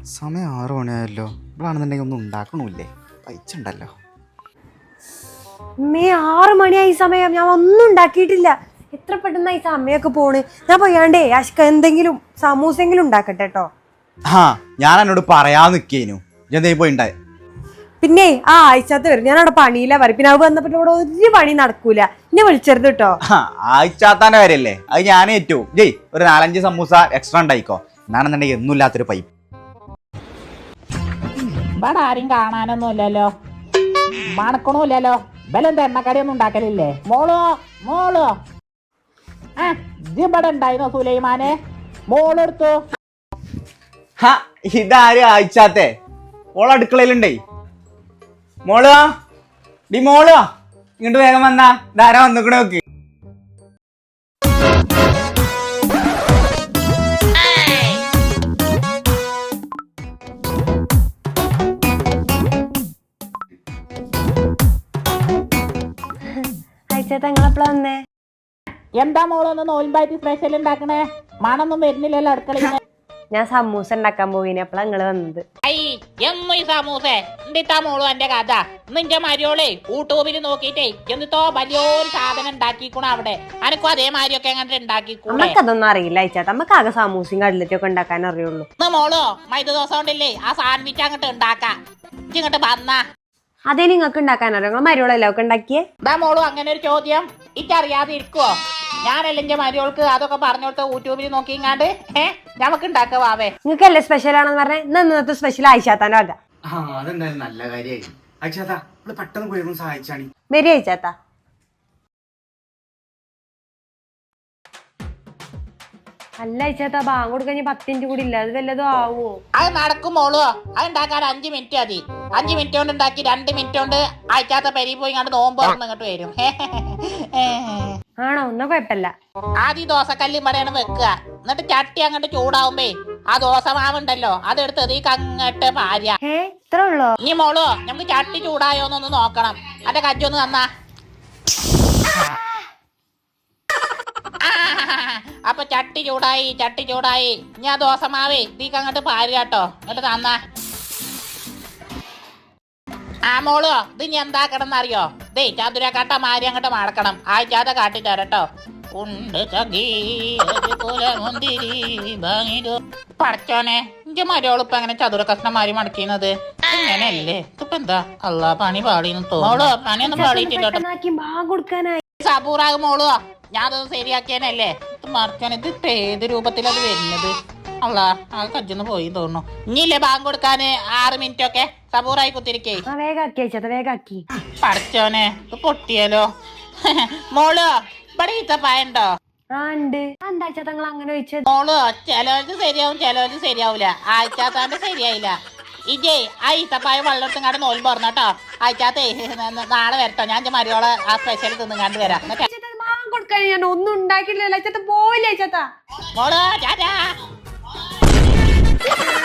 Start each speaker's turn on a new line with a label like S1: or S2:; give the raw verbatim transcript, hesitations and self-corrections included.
S1: സമയം ആറു മണിയായല്ലോ. ഇവിടാണെന്നുണ്ടെങ്കിൽ ഒന്നും ഉണ്ടാക്കണമില്ലേ? പൈച്ചുണ്ടല്ലോ.
S2: മേ ആറ് മണിയായി സമയം, ഞാൻ ഒന്നും ഉണ്ടാക്കിയിട്ടില്ല. എത്ര പെട്ടെന്ന് ഈ സമയമൊക്കെ പോണ്. ഞാൻ പോയാണ്ടേ അഷ്ക എന്തെങ്കിലും സമൂസെങ്കിലും ഉണ്ടാക്കട്ടെ കേട്ടോ.
S1: ആ ഞാൻ എന്നോട് പറയാൻ നിക്കേനു. ഇതെന്തേ പോയി ഉണ്ടായി?
S2: പിന്നെ ആ ആഴ്ചത്ത് വരും. ഞാൻ അവിടെ പണിയില്ല വരും. പിന്നെ അത് വന്നപ്പോ ഇവിടെ ഒരു പണി നടക്കൂല. എന്നെ വിളിച്ചരുത് കേട്ടോ.
S1: ആഴ്ചാത്താന്റെ കാര്യല്ലേ, അത് ഞാൻ ഏറ്റു. ജയ് ഒരു നാലഞ്ച് സമൂസ എക്സ്ട്രാ ഉണ്ടായിക്കോ. എന്നാണെന്നുണ്ടെങ്കിൽ ഒന്നും ഇല്ലാത്തൊരു പൈപ്പ്.
S3: ഇവിടെ ആരും കാണാനൊന്നും ഇല്ലല്ലോ, മണക്കണമില്ലല്ലോ. ബലെന്താ എണ്ണക്കടിയൊന്നും ഉണ്ടാക്കലില്ലേ? മോളോ മോളോ ആ ഇവിടെ ഉണ്ടായിരുന്നോ സുലൈമാനെ? മോളെടുത്തു.
S1: ഹാ ഇതാരും ആഴ്ചാത്തെ ഓള അടുക്കളയിലുണ്ടേ. മോളോ ഡി മോളോ ഇങ്ങോട്ട് വേഗം വന്നാ. ധാരാ വന്നിക്കണ നോക്ക്.
S2: നിങ്ങളെപ്പോഴാ വന്നേ?
S3: എന്താ മോളൊന്ന് നോൽമ്പായിട്ട് സ്പെഷ്യൽ ഉണ്ടാക്കണേ? മണൊന്നും വരുന്നില്ലല്ലോ അടുക്കളയിൽ.
S2: ഞാൻ സമൂസ ഉണ്ടാക്കാൻ പോയിന്, അപ്പളാ നിങ്ങള് വന്നത്.
S3: എന്നു സമൂസേ എന്തിട്ടാ മോളു എന്റെ കഥ? നിന്റെ മരിയോളെ യൂട്യൂബിൽ നോക്കിട്ടേ എന്നിട്ടോ വലിയൊരു സാധനം ഉണ്ടാക്കിക്കണോ അവിടെ. അനക്കും അതേമാതിരിയൊക്കെ എങ്ങനെ ഉണ്ടാക്കിക്കൂടെ?
S2: നമുക്കതൊന്നും അറിയില്ല അയച്ചാത്ത. നമുക്ക് ആകെ സമൂസയും കടലറ്റും ഒക്കെ ഉണ്ടാക്കാൻ അറിയുള്ളൂ.
S3: മോളോ മൈദ ദോശ കൊണ്ടല്ലേ ആ സാൻഡ്വിച്ച് അങ്ങോട്ട് ഉണ്ടാക്കാം. ഇങ്ങോട്ട് വന്നാ
S2: അതേ നിങ്ങൾക്ക് ഉണ്ടാക്കാൻ അറിയാം. നിങ്ങൾ മരിയോളല്ലേ ഒക്കെ ഉണ്ടാക്കിയേ?
S3: എന്താ മോളു അങ്ങനെ ഒരു ചോദ്യം? ഇക്കറിയാതെ ഇരിക്കുവോ? ഞാനല്ല എന്റെ മരിയോൾക്ക് അതൊക്കെ പറഞ്ഞു കൊടുത്ത യൂട്യൂബിൽ നോക്കിങ്ങാണ്ട് ഏഹ് നമുക്ക് ഉണ്ടാക്കാവേ.
S2: നിങ്ങൾക്ക് അല്ലേ സ്പെഷ്യൽ ആണെന്ന് പറഞ്ഞേ. ഇന്ന് ഇന്നത്തെ സ്പെഷ്യൽ ആയിച്ചാത്താനോ ആകാം.
S1: അതെന്തായാലും നല്ല കാര്യമായി. അയച്ചാത്താ പെട്ടെന്ന് പോയി സഹായിച്ചാണി.
S2: വരി അയച്ചാത്ത. അല്ല അയച്ചാത്ത, ബാങ്ക് കൊടുക്കാൻ പത്ത് മിനിറ്റ് കൂടി ഇല്ല. അത് വല്ലതും ആവോ?
S3: അത് നടക്കും മോളോ. അത് ഉണ്ടാക്കാൻ അഞ്ചു മിനിറ്റ് മതി. അഞ്ചു മിനിറ്റ് കൊണ്ട് ഉണ്ടാക്കി രണ്ട് മിനിറ്റ് കൊണ്ട് അയച്ചാത്ത പെരി പോയി കണ്ട് നോമ്പ് ഇങ്ങോട്ട് വരും.
S2: ആണോ? ഒന്നും കുഴപ്പമില്ല.
S3: ആദ്യം ദോശക്കല്ല് ഇവിടെയാണ് വെക്കുക. എന്നിട്ട് ചട്ടി അങ്ങോട്ട് ചൂടാവുമ്പേ ആ ദോശ മാവുണ്ടല്ലോ അതെടുത്ത് ഇതിക്ക് അങ്ങോട്ട് പാര്യ.
S2: ഇത്ര ഉള്ളോ?
S3: ഇനി മോളോ നമുക്ക് ചട്ടി ചൂടായോന്നൊന്ന് നോക്കണം. അന്റെ കജ്ജൊന്ന് തന്നാ. അപ്പൊ ചട്ടി ചൂടായി ചട്ടി ചൂടായി. ഇനി ആ ദോശ മാവേ ഇതിക്ക് അങ്ങോട്ട് പാര്യ കേട്ടോ. എന്നിട്ട് തന്നാ. ആ മോളോ ഇത് ഇനി എന്താ കിടന്നറിയോ? ദേ ചതുരക്കാട്ട മാരി അങ്ങോട്ട് മടക്കണം. ആഴ്ചാതെ കാട്ടി തരട്ടോ. പടച്ചോനെ ഇന്റെ മരോളിപ്പ അങ്ങനെ ചതുര കഷ്ണം മാരി മടക്കുന്നത് ഇങ്ങനെയല്ലേ? ഇപ്പൊ എന്താ അല്ലാ പണി പാളിന്ന് തോന്നോളൂ. പണിയൊന്നും പാളിയിട്ടില്ല. സബൂറാകും മോളോ. ഞാനത് ശരിയാക്കിയാനല്ലേ മറക്കാൻ. ഇത് ഏത് രൂപത്തിലത് വരുന്നത്? അല്ല ആ കജ്ജൊന്ന് പോയി തോന്നുന്നു. ഇനിയില്ലേ ബാങ്ക് കൊടുക്കാന് ആറ് മിനിറ്റ് ഒക്കെ സബൂറായി കുത്തിരിക്കേ.
S2: വേഗാക്കി.
S3: പടച്ചോനെ ഇത് പൊട്ടിയാലോ. മോളോ ഇവിടെ ഈത്തപ്പായുണ്ടോ? മോളോ ചിലവർക്ക് ശരിയാവും ചിലവർക്ക് ശരിയാവൂല. ആഴ്ചാത്താന്റെ ശരിയായില്ല. ഇജേ ആ ഈത്തപ്പായ വെള്ളത്തും കാണ്ട് നോൽ പറഞ്ഞോട്ടോ. ആഴ്ചാത്തേ നാളെ വരട്ടോ. ഞാൻ മരിയോളെ ആ സ്പെഷ്യൽ തിന്നും കണ്ടു വരാം.
S2: ഞാൻ ഒന്നും ഉണ്ടാക്കിയില്ല. പോയില്ല.
S3: മോളോ ചാച്ചാ